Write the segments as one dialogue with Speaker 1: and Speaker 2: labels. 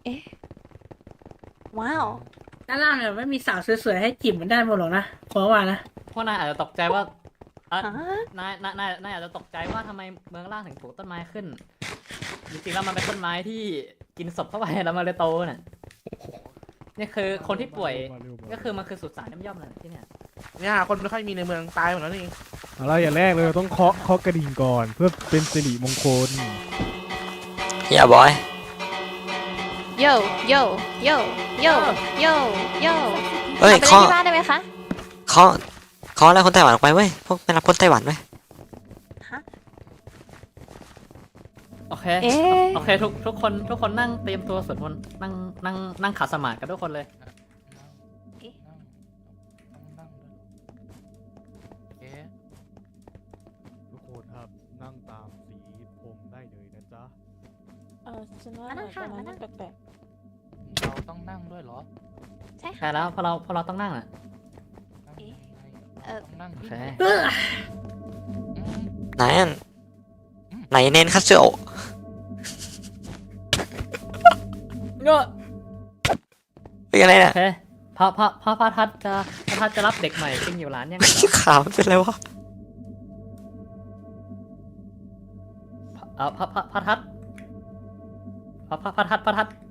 Speaker 1: อ๊ะว้าว
Speaker 2: ด้านล่างเนี่ยไม่มีสาวสวยๆให้จิบเหมือนด้านบนหรอกนะขอว่านะ
Speaker 3: พวกนายอาจจะตกใจว่าอ่ะ
Speaker 1: ฮะ
Speaker 3: นายอาจจะตกใจว่าทำไมเมืองล่างถึงปลูกต้นไม้ขึ้น จริงๆแล้วมันเป็นต้นไม้ที่กินศพเข้าไปแล้วมันเลยโตน่ะนี่คือคนที่ป่วยก็คือมันคือสุสานย่อมๆเลยที่เนี่ย
Speaker 4: เนี่ยคนไม่ค่อยมีในเมืองตายหมดแล้วนี่
Speaker 5: อะไรอย่างแรกเลยเราต้องเคาะกระดิ่งก่อนเพื่อเป็นสิริมงคล
Speaker 6: อย่าบอย
Speaker 1: โยโยโยโยโยโย
Speaker 6: เฮ้ย
Speaker 1: เอาไป
Speaker 6: เคาะ
Speaker 1: เล่นที่บ้านได้ไหมคะ
Speaker 6: เคาะแล้วคนไต้หวันออกไปเว้ยพวกไม่รับคนไต้หวันเว้ย
Speaker 1: ฮะ
Speaker 3: โอเค
Speaker 1: เอ๊ะ
Speaker 3: โอเคทุกคนนั่งเตรียมตัวสวดมนต์นั่งขัดสมาธิกันทุกคนเลย
Speaker 5: ทุกคนครับนั่งตามสีผมได้เลยนะจ๊ะ
Speaker 7: ฉันว่า
Speaker 1: มานั่งค่ะ
Speaker 7: ตอนนั้น
Speaker 1: มานั่
Speaker 7: มั
Speaker 1: ง
Speaker 7: นแปลก
Speaker 4: เราต้องนั่งด้วยเหรอ
Speaker 1: ใช่
Speaker 3: ใช่
Speaker 1: ค่ะ
Speaker 3: แล้วพอเราต้องนั่งอ่ะ
Speaker 4: นั่ง
Speaker 3: โอเค
Speaker 2: เออ
Speaker 6: ไหนอันไหนเน้นคัตสึโอะ
Speaker 3: เงอะ
Speaker 6: เป็นอะไร
Speaker 3: โอ
Speaker 6: เนี่ย
Speaker 3: เคพระทัดจะรับเด็กใหม่จริงอยู่ร้านยัง
Speaker 6: ขาวมันเป็นอะไรวะ
Speaker 3: พระทัดพระทัด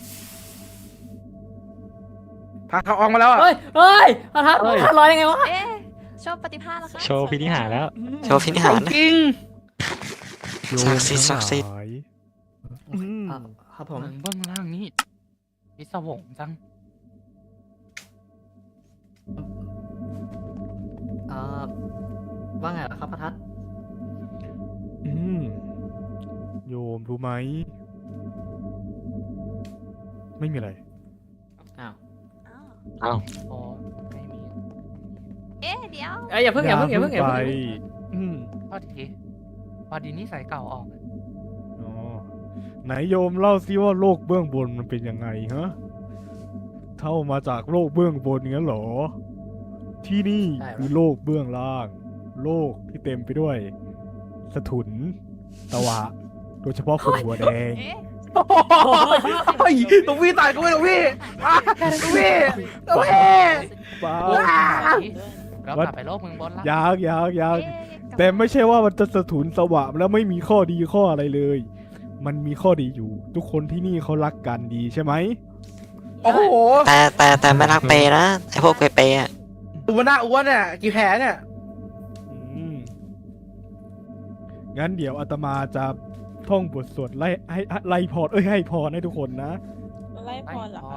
Speaker 4: พาเขาออกมาแล้วอ่ะ
Speaker 3: เฮ้ยพระทัดลอยยังไงวะ
Speaker 1: เอ๊ะโชว์ปฏิภาณแล้วคะ
Speaker 7: โชว์พินิหารแล้ว
Speaker 6: โชว์พินิหารนะ
Speaker 4: จริง
Speaker 5: โยม
Speaker 6: ศักดิ์สิทธิ์ศักดิ์สิทธิ์
Speaker 5: ทั้งหลาย
Speaker 3: ครับผม
Speaker 4: เมืองเบื้องล่างนี่พิศวงจัง
Speaker 3: ว่าไงล่ะครับพระทัด
Speaker 5: อืมโยมรู้ไหมไม่มีอะไร
Speaker 3: อ้าว
Speaker 1: อ้าว
Speaker 4: โอ้ไม่มี
Speaker 1: เอ๊ะเดี๋ยว
Speaker 3: เอ้ยอย่าเพิ่ง
Speaker 5: ไป อืม
Speaker 4: พอดีนิสัยเก่าออก
Speaker 5: อ๋อไหนโยมเล่าซิว่าโลกเบื้องบนมันเป็นยังไงฮะเท่ามาจากโลกเบื้องบนงั้นเหรอ ที่นี่คือโลกเบื้องล่าง โลกที่เต็มไปด้วย สถุนตะวะ โดยเฉพาะคนหัวแดง
Speaker 1: เอ๊ะ
Speaker 4: เฮ้ยตรงพี่ตายกูไม่ตรงพี่ตรงพี่ตรงพี่
Speaker 5: ป้า
Speaker 4: เรากลับไปโลกเมืองบนละ
Speaker 5: ยาก
Speaker 1: เอ๊ะ
Speaker 5: แต่ไม่ใช่ว่ามันจะสถุนสวะแล้วไม่มีข้อดีข้ออะไรเลย มันมีข้อดีอยู่ ทุกคนที่นี่เขารักกันดีใช่ไหม
Speaker 4: โอ้โห
Speaker 6: แต่ไม่รักเปย์นะไอพวกเปย์ๆอ่ะ
Speaker 4: ตัวหน้าอ้วนเนี่ยกี่แผลเนี่ย
Speaker 5: อืมงั้นเดี๋ยวอาตมาจะท่องบทสวดไล่พรให้พรให้ทุกคนนะ
Speaker 7: ไล่พรเหรอคะ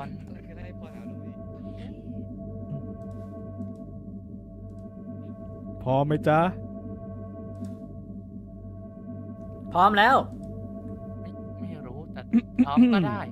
Speaker 5: พร้อมไหมจ๊ะ
Speaker 3: พร้อมแล้ว
Speaker 4: ไม่รู้แต่พร้อมก็ได้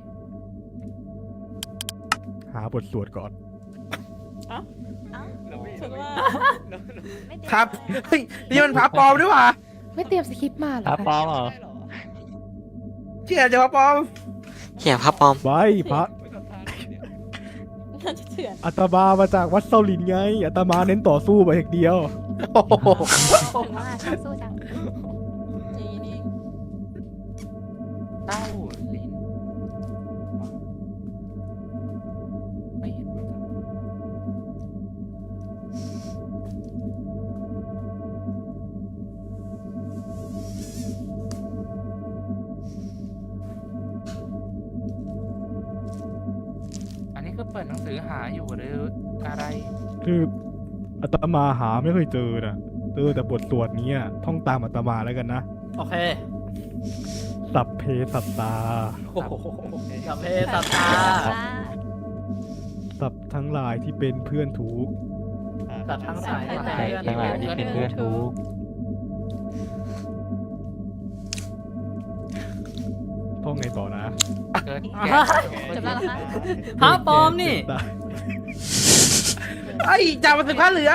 Speaker 5: หาบทสวดก่อน
Speaker 1: เอ้า
Speaker 7: ฉันว่า
Speaker 1: ไม่เดี๋ยว
Speaker 4: ครับ เฮ้ยนี่มันพระปลอมด้วยว่ะ
Speaker 8: ไม่เตรียมสคริปต์มาเหรอ
Speaker 7: พระ
Speaker 8: คะ
Speaker 7: ปลอมเหรอ
Speaker 4: เชื่อจะพระปลอม
Speaker 6: เขียนพระปลอม
Speaker 5: ไว้พระ
Speaker 7: น่าจะเถื่อน
Speaker 5: อาตมามาจากวัดเซาหลินไงอาตมาเน้นต่อสู้ไปอย่างเดียว
Speaker 4: โอ้โห
Speaker 1: ถึงว่าชอบสู้จัง
Speaker 7: จีนี่
Speaker 4: เต้าลิ้นไม่เห็นว่าจะอันนี้คือเปิดหนังสือหาอยู่หรืออะไร
Speaker 5: คืออาตมาหาไม่เคยเจอนะเจอแต่บทสวดนี้อะท่องตามอาตมาแล้วกันนะ
Speaker 3: โอเค
Speaker 5: สัพเพสัตตา
Speaker 3: โอ้โหสัพเพสัตตา
Speaker 5: สัพทั้งหลายที่เป็นเพื่อนทุกข์
Speaker 3: สัตว์ทั้งหลาย
Speaker 7: ทั้งหลายที่เป็นเพื่อนทุกข์
Speaker 5: ท่องไงต่อนะ
Speaker 4: เกิด
Speaker 1: จบแล้วเหรอคะ
Speaker 3: พระปลอมนี่
Speaker 4: ไอ้จ่ามาถึงผ้าเหลือง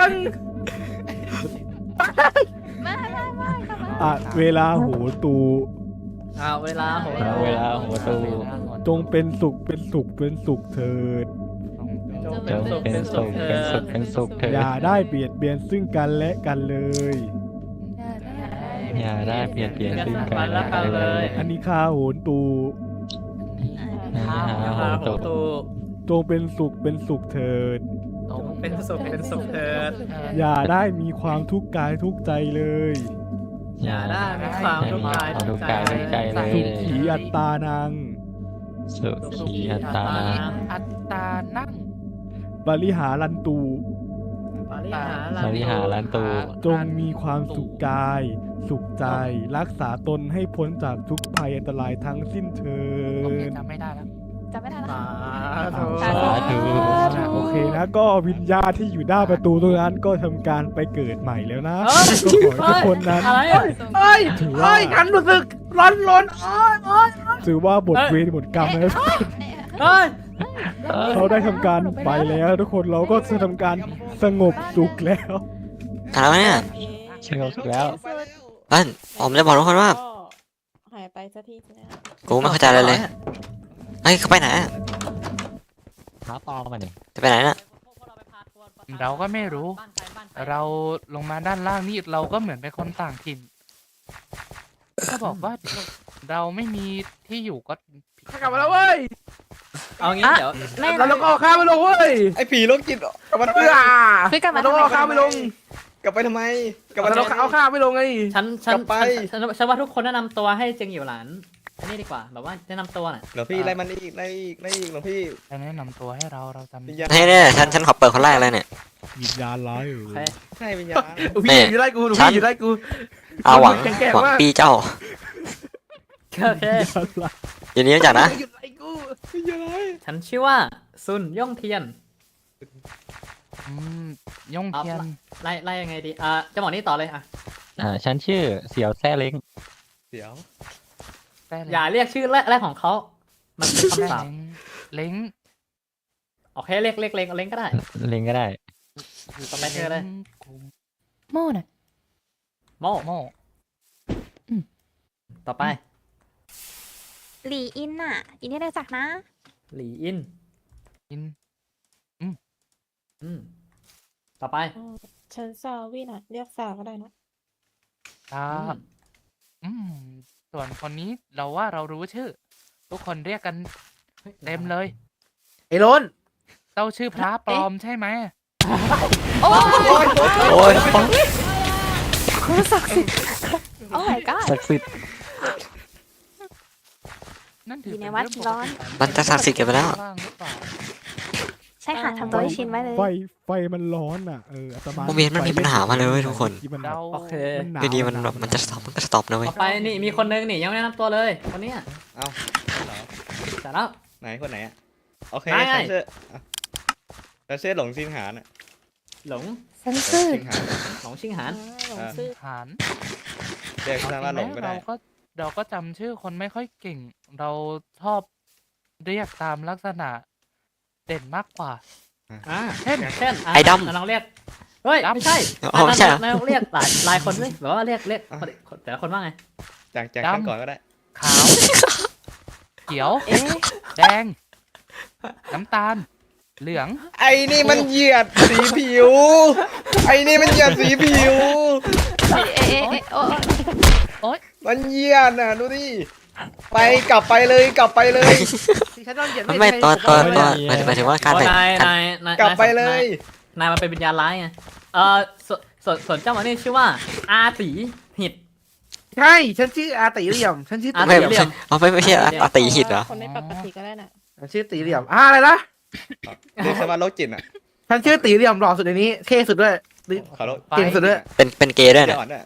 Speaker 1: ไม่ค่ะมา
Speaker 5: อ่ะเวลาโหตู
Speaker 3: เวลาโห
Speaker 7: เวลาหัวตู
Speaker 5: จงเป็นสุขเป็นสุขเป็นสุขเถิด
Speaker 3: จง
Speaker 7: จงเป็นสุขเป็นสุขเป็นสุขเถิด
Speaker 5: อย่าได้เบียดเบียนซึ่งกันและกันเลย
Speaker 7: อย่าได้เปลี่ยนซึ่งกัน
Speaker 3: และกันเลย
Speaker 5: อันนี้ข้าโหนตู
Speaker 4: นี่
Speaker 7: นายหาโหตุ
Speaker 5: จงเป็นสุขเป็นสุขเถิด
Speaker 3: เป็นสุขเถิด
Speaker 5: อย่าได้มีความทุกข์กายทุกข์ใจเลย
Speaker 3: อย่าได้มีความทุกข์กายทุกข์ใจ
Speaker 7: ทุกข์กายทุกข์ใจเลย
Speaker 5: สุขีอัตตานัง
Speaker 7: สุขีอัตตานัง
Speaker 4: อัตตานั่ง
Speaker 5: บริหารันตู
Speaker 3: ปริหาร
Speaker 7: สริหารันตู
Speaker 5: จงมีความสุขกาย สุขใจ รักษาตนให้พ้นจากทุกภัยอันตรายทั้งสิ้นเถิด
Speaker 4: จำไม่ได้แล้ว
Speaker 1: จำไม่ได้ละ
Speaker 3: สาธุ
Speaker 7: สาธุ
Speaker 5: โอเคนะก็วิญญาณที่อยู่หน้าประตูตรงนั้นก็ทำการไปเกิดใหม่แล้วนะก็ขอให้ทุกคนนั้น
Speaker 3: อะไรอ่ะ
Speaker 4: เฮ้ย
Speaker 5: ถือ
Speaker 4: เฮ้
Speaker 5: ว่า
Speaker 4: ยฉันรู้สึกร้อนร้อนอ้อย
Speaker 5: ถือว่าบทเวรบทกรรมนะ
Speaker 3: เฮ้ย
Speaker 5: เขาได้ทำการไปแล้วทุกคนเราก็จะทำการสงบสุขแล้ว
Speaker 6: อะไรวะเนี่ย
Speaker 7: เชื่อแล้ว
Speaker 6: เอ้ยผมจะบอกทุกคนว่า
Speaker 1: หายไปสักทีนะ
Speaker 6: กูไม่เข้าใจอะไรเลยเฮ้ยเขาไปไหนอะ
Speaker 7: หาตอมาเนี่ย
Speaker 6: จะไปไหนน่ะ
Speaker 4: เราก็ไม่รู้ เราลงมาด้านล่างนี่เราก็เหมือนเป็นคนต่างถิ่นก็บอกว่าเราไม่มีที่อยู่ก็กลับมาแล้วเว้ย
Speaker 3: เอางี้เดี๋ยว
Speaker 4: เราต้องเอาข้ามไปลงเว้ย
Speaker 8: ไอ้ผีโรคจิตกลับมาทำไม
Speaker 1: คือกลับมา
Speaker 4: เราต้องเอาข้ามไปลง
Speaker 8: กลับไปทำไม กลับมา
Speaker 4: เราต้องเอาข้ามไปลงไง
Speaker 3: ฉัน
Speaker 8: กลับไป
Speaker 3: ฉันว่าทุกคนแนะนำตัวให้เจงอยู่หลานอันนี้ดีกว่าแบบว่าแนะนำตัวน่ะ
Speaker 8: หลวงพี่ไล่มันอีกไล่อีกไล่อีกหลวงพี่
Speaker 4: แนะนำตัวให้เราจำ
Speaker 8: วิญญาณ
Speaker 6: ให้เนี่ยฉันขอเปิดคนแรกเลยเนี่ย
Speaker 5: วิญญาณร้ายอยู่
Speaker 3: โอเค
Speaker 8: ใช่วิญญาณ
Speaker 4: พี่อยู่ไล่กูหนูพี่อยู่ไล่กู
Speaker 6: เอาหวัง
Speaker 4: แก่ๆ
Speaker 6: หวัง
Speaker 4: มาก
Speaker 6: ปีเจ้า
Speaker 3: โอเค
Speaker 6: ยินดีรู้จักนะ
Speaker 4: หยุดไล่กู
Speaker 8: วิญญาณร้าย
Speaker 3: ฉันชื่อว่าซุนย่องเทียน
Speaker 4: ย่องเทียน
Speaker 3: ไล่ยังไงดีจะบอกนี่ต่อเลยอ่ะ
Speaker 7: ฉันชื่อเสี่ยวแซ่เล้ง
Speaker 8: เดี๋ยว
Speaker 3: อย่าเรียกชื่อแรกของเขามันเป็นคำสาป
Speaker 4: เล้ง
Speaker 3: โอเคเรียกเล้งก็ได้
Speaker 7: เล้งก็ได้
Speaker 3: ต่อไปเธอเลย
Speaker 1: โม่น่ะ
Speaker 3: โม
Speaker 4: โม่
Speaker 3: ต่อไป
Speaker 1: หลีอินน่ะอินนี่ได้จักนะ
Speaker 3: หลีอิน
Speaker 4: อิน
Speaker 3: อืมต่อไป
Speaker 9: ฉันซาวิน่ะ เรียกซาก็ได้นะ
Speaker 4: ส่วนคนนี้เราว่าเรารู้ชื่อ ทุกคนเรียกกันเต็มเลย ไอ้ล้นเจ้าชื่อพระปลอมใช่ไหม
Speaker 6: โอ้ย
Speaker 1: โอ้ my god
Speaker 7: ศักดิ์สิทธิ์
Speaker 4: นั่นถือ
Speaker 1: อยู่ใน
Speaker 4: เป็น
Speaker 1: วัด
Speaker 4: เรื่องปก
Speaker 1: ร้อน
Speaker 4: ติ
Speaker 6: มันจะศักดิ์สิทธิ์เกันไปแล้ว
Speaker 4: บ้างหรือเปล่า
Speaker 1: ใช่ค่ะทำตัวให้ชินไว้เลย
Speaker 5: ไฟมันร้อนอ่ะอาตมา
Speaker 6: โมเมนต์มันมีปัญหามาเลยเว้ยทุกคน
Speaker 5: ที่มันแบบ
Speaker 4: เรา
Speaker 3: โอเค
Speaker 5: หนาว
Speaker 6: อยู่ดีมันแบบมันจะสต็อปมันก็สต็อปนะเว้ย
Speaker 3: ต่อไปนี่มีคนนึงนี่ยังไม่แนะนำตัวเลยคนเนี้ย
Speaker 8: เอ้าเหรอ
Speaker 3: แต่แล้ว
Speaker 8: ไหนคนไหนอะโอเค
Speaker 3: ได้
Speaker 8: ฉันชื่ออ่ะฉันชื่อหลงซิงหานอะ
Speaker 3: หลง
Speaker 1: ฉัน
Speaker 8: หล
Speaker 1: ซื่
Speaker 8: ง
Speaker 1: อ
Speaker 8: ซิงหาน
Speaker 3: หลงชิงหาน
Speaker 9: หลงซื่อ
Speaker 4: หาร
Speaker 8: เรียกฉันว่าหลงก็ได้
Speaker 4: เราก็จำชื่อคนไม่ค่อยเก่ง เราชอบเรียกตามลักษณะเด่นมากกว่า
Speaker 3: เช่น
Speaker 6: ไอ้ดำ
Speaker 3: ลองเรียกเฮ้ยไม่ใช่
Speaker 6: อ๋อไม่ใช่เหรอ
Speaker 3: ลองเรียกหลายคนสิแบบว่าเรียกแต่ละคนว่าไง
Speaker 8: จาก
Speaker 4: ดำ
Speaker 8: ฉันก่อนก็ได้
Speaker 4: ขาว เขียว แดง น้ำตาล เหลือง
Speaker 8: ไอ้นี่มันเหยียดสีผิว ไอ้นี่มันเหยียดสีผิว
Speaker 1: โอ้
Speaker 8: มันเหยียดน่ะดูดิไปกลับไปเลยกลับไปเลย
Speaker 6: ไม่ตัวหมายถึงว่าการแต่ง
Speaker 3: นาย
Speaker 8: กลับไปเลย
Speaker 3: นายมันเป็นวิญญาณร้ายไงส่วนเจ้ามันนี่ชื่อว่าอาตีหิด
Speaker 4: ใช่ ฉันชื่ออาติเหลี่ยม ฉันชื่อ
Speaker 3: อา
Speaker 4: ตี
Speaker 6: ไม่
Speaker 3: เหลี่ยม
Speaker 6: เอาไม่ใช่อาตีหิตเหรอ
Speaker 9: คนไม่ปกติก็ได้น่ะ
Speaker 4: ฉันชื่อตีเหลี่ยมอะไรนะ
Speaker 8: เรียกฉันว่าโรคจิตอ่ะ
Speaker 4: ฉันชื่อตีเหลี่ยมหล่อสุดในนี้ เท่สุดด้วย
Speaker 8: ขอโทษ
Speaker 4: เก่งสุดด้วย
Speaker 6: เป็นเกย์ด้วย
Speaker 8: เดี๋
Speaker 6: นะ
Speaker 8: ยวอ่อนด้วย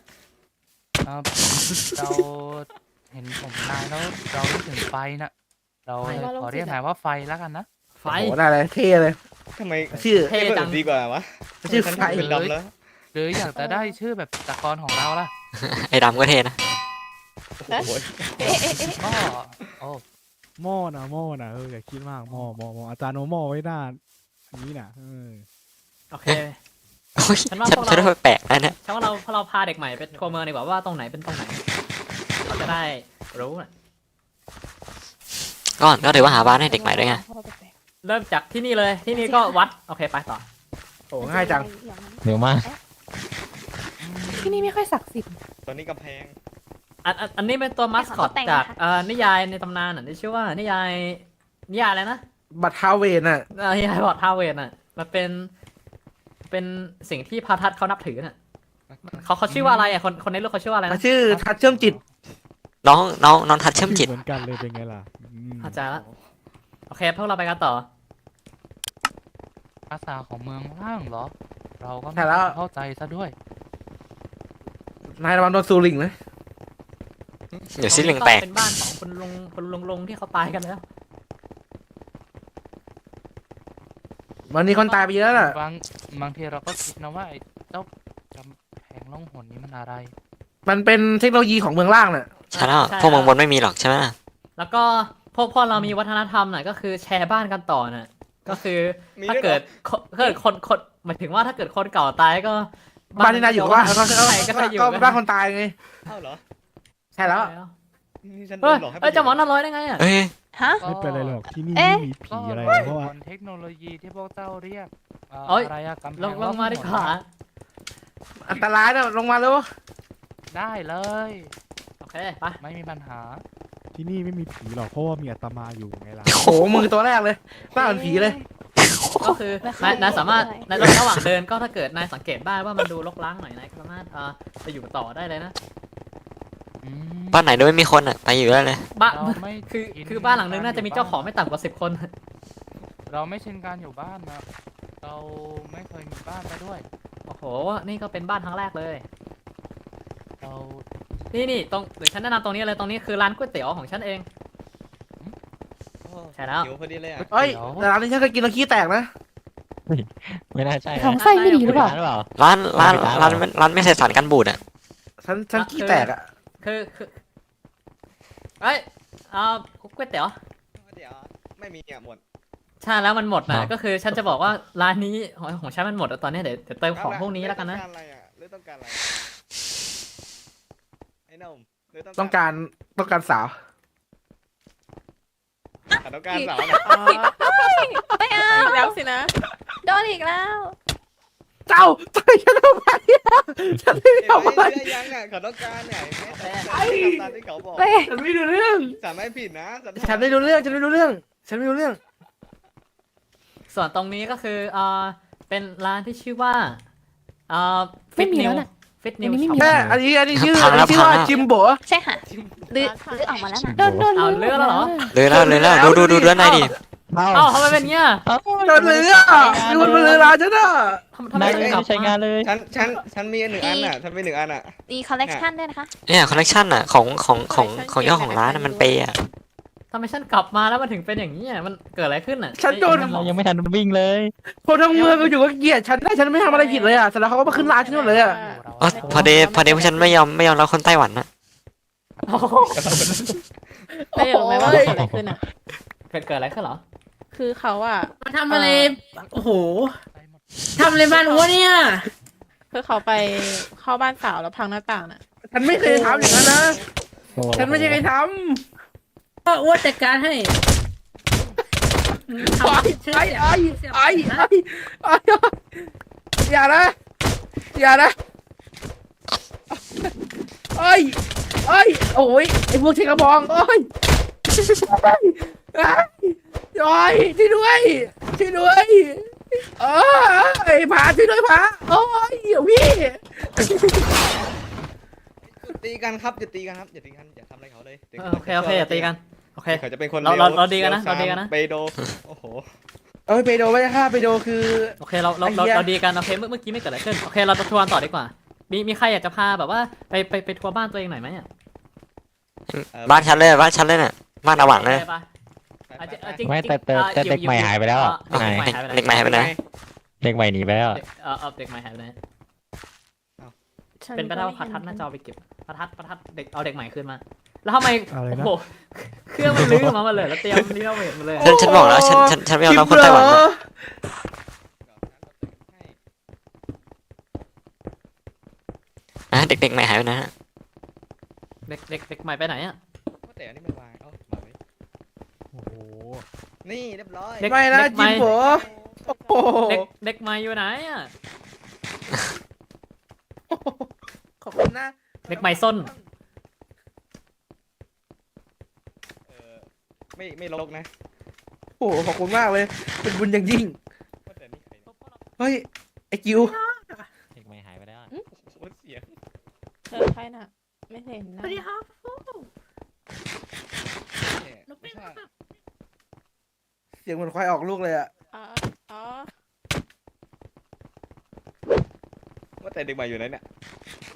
Speaker 4: เราเห็นผมนายแล้วเรารู้ถึงไฟน่ะ เราเลยขอเรียกนายว่าไฟแล้วกันนะ
Speaker 3: ไฟ
Speaker 4: โอ้ได้เลยเท่เลย
Speaker 8: ทำไม
Speaker 4: ชื่อ
Speaker 3: เท่จัง
Speaker 8: ดีกว่าวะ
Speaker 4: ชื่อ
Speaker 8: ฉัน
Speaker 4: ไฟ
Speaker 8: เป็นดำแล้ว
Speaker 4: หรืออยากจะได้ชื่อแบบตะกรของเราล่ะ
Speaker 6: ไอ้ดำก็เท่นะ
Speaker 8: โอ้โห
Speaker 4: ก็โอ้
Speaker 5: หม้อนะอย่าคิดมากหม้ออาจารย์เอาหม้อไว้หน้าอันนี้น่ะ
Speaker 3: โอเค
Speaker 6: โอ้ย
Speaker 3: ฉันว่า
Speaker 6: ฉัน
Speaker 3: พวกเรา
Speaker 6: ฉันว่าแปลกนะเนี่ย
Speaker 3: ถ้าว่าเราพาเด็กใหม่ไปทัวร์เมืองดีกว่าว่าตรงไหนเป็นตรงไหนเขาจะได้รู้น่ะ
Speaker 6: ก็ถือว่าหาบ้านให้เด็กใหม่ด้วยไง
Speaker 3: เริ่มจากที่นี่เลยที่นี่ก็วัดโอเคไปต่อ
Speaker 4: โหง่ายจัง
Speaker 7: เร็วมาก
Speaker 9: ที่นี่ไม่ค่อยศักดิ์สิทธิ์
Speaker 8: ตอนนี้กำแพง
Speaker 3: อันนี้เป็นตัวมัสคอตจากนิยายในตำนานน่ะที่ชื่อว่านิยายนิยายอะไรนะ
Speaker 8: บัตรทาเวนอ่ะ
Speaker 3: นิยายบอดทาเวนอ่ะมันเป็นสิ่งที่พระทัดเขานับถือน่ะเขาชื่อว่าอะไรอ่ะคนในโลกเขาชื่อว่าอะไรนะ
Speaker 8: ชื่อทัดเชื่อมจิต
Speaker 6: น้องทัดเชื่อมจิต
Speaker 5: เหมือนกันเลยเป็นไงล่ะ
Speaker 3: เข้าใจละโอเคพวกเราไปกันต่อ
Speaker 4: ภาษาของเมืองล่างเหรอ เราก็
Speaker 8: ใช่
Speaker 4: ไม่
Speaker 8: แล้ว
Speaker 4: เข้าใจซะด้วย
Speaker 8: นายระวังโดนซูริงนะ
Speaker 6: เดี๋ยวซิลิงแตก
Speaker 3: เป็นบ้านของคุณลุงที่เขาตายกันแล้ว
Speaker 8: วันนี้คนตายไปเยอะน่ะ
Speaker 4: บางทีเราก็คิดนะว่าไอ้เจ้ากำแพงล่องหนนี้มันอะไร
Speaker 8: มันเป็นเทคโนโลยีของเมืองล่างน่ะ
Speaker 6: ใช่แล้วพวกเมืองบนไม่มีหรอกใช่ไหม
Speaker 3: แล้วก็พวกเรามีวัฒนธรรมน่ะก็คือแชร์บ้านกันต่อน่ะก็คือถ้าเกิดคนหมายถึงว่าถ้าเกิดคนเก่าตายก็
Speaker 8: บ้านที่นายอยู่ว่า
Speaker 3: ใครก็จะอยู่
Speaker 8: ก็บ้านคนตายไง
Speaker 10: เอ้าเหรอ
Speaker 8: ใช่แล้ว
Speaker 10: นี่ฉันโด
Speaker 3: เฮ้ย
Speaker 10: นหลอกให้ไป
Speaker 3: เอ้ยจะหมอน่าร้อยได้ไงอ่ะ
Speaker 6: เอ้ย
Speaker 1: ฮะ
Speaker 5: ไม่เป็นไรหรอกที่นี่
Speaker 1: เอ๊ะ
Speaker 5: ไม่มีผีอะไร
Speaker 4: ก็
Speaker 5: เพราะว่า
Speaker 4: บนเทคโนโลยีที่พวกเจ้าเรียก
Speaker 3: เอ้ย
Speaker 4: อะไรอะกำแพง
Speaker 3: ลงมาดีกว่า
Speaker 8: อันตรายนะลงมาเร็ว
Speaker 4: ได้เลย
Speaker 3: โอเคไป
Speaker 4: ไม่มีปัญหา
Speaker 5: ที่นี่ไม่มีผีหรอกเพราะว่ามีอาตมาอยู่ไงล่ะ
Speaker 8: โอ้โหมือตัวแรกเลยหน้าเหมือนผีเลย
Speaker 3: ก็คือนายสามารถในระหว่างเดินก็ถ้าเกิดนายสังเกตได้ว่ามันดูรกร้างหน่อยนายก็สามารถไปอยู่ต่อได้เลยนะ
Speaker 4: อืม
Speaker 6: บ้านไหนโดยไม่มีคนอ่ะไปอยู่ได้เลย
Speaker 3: บ้าน
Speaker 4: เราไม่
Speaker 3: คือบ้านหลังนึงน่าจะมีเจ้าของไม่ต่ำกว่า10 คน
Speaker 4: เราไม่ชินการอยู่บ้านนะเราไม่เคยมีบ้านไปด้วย
Speaker 3: โอ้โหนี่ก็เป็นบ้านครั้งแรกเลย
Speaker 4: เรา
Speaker 3: นี่ตรงหรือฉันแนะนำตรงนี้เลยตรงนี้คือร้านก๋วยเตี๋ยวของฉันเอง
Speaker 10: โอ้
Speaker 3: ใช่แล้ว
Speaker 10: หิวพอดีเลยอ่ะ
Speaker 8: เฮ้ยแต่ร้านนี้ฉันเคยกินแล้วขี้แตกนะ
Speaker 7: ไม่น่าใช่นะ
Speaker 9: ของไส้ไม่ดีหรือเปล่า
Speaker 7: หรือเปล่า
Speaker 6: ร้านไม่ใส่สารกันบูดอ่ะ
Speaker 8: ฉันขี้แตกอ่ะ
Speaker 3: คือเอ้ยก๋วยเตี๋ยว
Speaker 10: เดี๋ยวไม่มีเนี่ยหมด
Speaker 3: ใช่แล้วมันหมดนะก็คือฉันจะบอกว่าร้านนี้ของฉันมันหมดแล้วตอนนี้เดี๋ยวเติมของพวกนี้แล้วกันนะ
Speaker 10: ต้องการอะไรอ่ะหรือต้องการอะไรไอ้หนุ่มหรือ
Speaker 8: ต้องการสาว
Speaker 10: ต้องการสาวเหรอ
Speaker 1: ไม่เอา
Speaker 9: อีกแล้วสินะ
Speaker 1: โดนอีกแล้ว
Speaker 8: เจ้าต่อยฉันทำไมอะฉันไม่
Speaker 10: เห็น
Speaker 8: ทำอะไร
Speaker 10: ไหมเชื่อยังอ่ะเขาต้องการเนี่ยแม่แต่ทำตามที่เขาบอก
Speaker 1: ไม่
Speaker 8: ฉันไม่รู้เรื่อง
Speaker 10: สามไม่ผิดนะ
Speaker 8: ฉันไม่รู้เรื่อง ฉันไม่รู้เรื่อง ฉันไม่รู้เรื่อง
Speaker 3: ส่วนตรงนี้ก็คือเป็นร้านที่ชื่อว่าฟิ
Speaker 9: ไม่
Speaker 3: ต
Speaker 9: มี
Speaker 3: นิ
Speaker 9: แล้ว วน่ะ
Speaker 3: ฟิตนิว
Speaker 9: อันนี้ไม่มี
Speaker 8: แม่อันนี้ชื่อ
Speaker 6: พังแล้ว
Speaker 8: ชื่อว่า
Speaker 6: พังแล้ว
Speaker 8: จิมโบะ
Speaker 1: ใช่ค่ะลื้อออกมาแล้วนะ
Speaker 9: โดน
Speaker 3: เอาเลือกแล้วเหรอ
Speaker 6: เลยแล้วดูด้านในดิ
Speaker 3: เอ้าทำไมเป็นเงี้ย
Speaker 8: โดนเรือมีคนมาเรือร้านฉันอ่ะ
Speaker 3: ทำไม
Speaker 7: นาย
Speaker 3: ถึง
Speaker 7: ไม่
Speaker 3: กลับ
Speaker 7: ใช้งานเลย
Speaker 10: ฉันมีหนึ่งอันอ่ะฉันมีหนึ่งอันอ่ะ
Speaker 1: มีคอลเลกชันด้วยนะคะ
Speaker 6: เนี่ยคอลเลกชันอ่ะของเจ้าของร้านน่ะมันเปย์อ่ะ
Speaker 3: ทำไมฉันกลับมาแล้วมันถึงเป็นอย่างนี้อ่ะมันเกิดอะไรขึ้นอ่ะ
Speaker 8: ฉันโดน
Speaker 7: เรายังไม่ทันวิ่งเลย
Speaker 8: คนทั้งเมืองก็อยู่ก็เกลียดฉันได้ฉันไม่ทำอะไรผิดเลยอ่ะเสร็จแล้วเขาก็มาขึ้นร้านฉันหมดเลยอ่ะ
Speaker 6: อ๋อพอดีพวกฉันไม่ยอมรับคนไต้หวันนะ
Speaker 3: โอ้โห
Speaker 9: ไม่รู้ไหมว่าเกิดอะไรขึ้นอ่ะ
Speaker 3: เกิดอะไรขึ้นเหรอ
Speaker 9: คือเขาอ่ะ
Speaker 2: มาทำอะไร โอ้โหทำอะไรบ้านหัวเนี่ย
Speaker 9: คือเขาไปเข้าบ้านสาวแล้วพังหน้าต่างน่ะ
Speaker 8: ฉันไม่เคยทำอย่างนั้นนะ ฉันไม่ใช่ใครท
Speaker 2: ก็อ้วนจัดการให้
Speaker 8: ำ
Speaker 2: ทำผิดชื่อ
Speaker 8: ไอ้
Speaker 2: เสียง
Speaker 8: ไอ้อย่านะอย่านะไอ้โอ้ยไอ้พวกเชกระบองโอ้ยโอ้ยช่วยด้วยไอ้ผาช่วยด้วยผาโอ้ยเดี๋ยวพี่
Speaker 10: ตีกันครับอย่าตีกันครับอย่าตีกันอย่าทำอะไรเขาเลย
Speaker 3: โอเคอย่าตีกันโอเค
Speaker 10: เขาจะเป็นคน
Speaker 3: เราดีกันนะเราดีกันนะ
Speaker 10: เปโดโอ้โห
Speaker 8: เอ้ยไปโดไม่ใช่ค่ะไปโดคือ
Speaker 3: โอเคเราดีกันโอเคเมื่อกี้ไม่เกิดอะไรขึ้นโอเคเราจะทัวร์ต่อดีกว่ามีใครอยากจะพาแบบว่าไปทัวร์บ้านตัวเองหน่อยไหมอ่ะ
Speaker 6: บ้านฉันเลยน่ะบ้านอาหวังเลย
Speaker 3: ไปจริง
Speaker 7: ไม่แต่เด็กใหม่หายไปแล้วอ่ะนาย
Speaker 6: เด็กใหม่หายไปไหน
Speaker 7: เด็กใหม่หนีไปแล้วอะ
Speaker 3: เด็กใหม่หายไปไหน
Speaker 9: ฉั
Speaker 3: เป็นไปได้ว่า
Speaker 9: ก็
Speaker 3: พัดทัด
Speaker 9: ม่
Speaker 3: น่า
Speaker 9: เห็
Speaker 3: จะเอาไปเก็บพัดทัดเด็กเอาเด็กใหม่ขึ้นมา แล้วทำไม
Speaker 5: อะไร
Speaker 3: โอ้
Speaker 5: นะ
Speaker 3: โหเครื่องมันลื้อมาเลยแล้วเตรียมรีโนเวทมาเลย
Speaker 6: ฉันบอกแล้วฉันไม่ยอมรับคนไต้หวันนะเด็กใหม่หายไปไหนฮะ
Speaker 3: เด็กใหม่ไปไหนอ่ะ
Speaker 10: แต่อันนี้มันวางเอ้ามาไว้
Speaker 5: โอ้โห
Speaker 10: นี่เรียบร้อย
Speaker 8: ไม่นะจิมโบโอ้โห
Speaker 3: เด็กใหม่อยู่ไหนอ่ะ
Speaker 8: ขอบคุณนะ
Speaker 3: เด็กใหม่ส้น
Speaker 10: ไม่ลกนะ
Speaker 8: โอ้โหขอบคุณมากเลย เป็นบุญอย่างยิ่ง
Speaker 10: ว่าแต่นี่ใครเนี่ย
Speaker 8: เฮ้ย ไอ้จิว
Speaker 7: เด็กใหม่หายไปแล้วอะ
Speaker 10: โอ้โหเสียง
Speaker 9: เจอใครน่ะ ไม่เห็น
Speaker 2: ส
Speaker 9: นะ
Speaker 2: วัสดีครับ
Speaker 10: เนี่ย
Speaker 2: หนูเป็น
Speaker 10: ไม่ใช่
Speaker 8: เสียงเหมือนควายออกลูกเลยอะ
Speaker 9: อ๋ออ๋อ
Speaker 10: ว่าแต่เด็กใหม่อยู่ไหนเนี่ย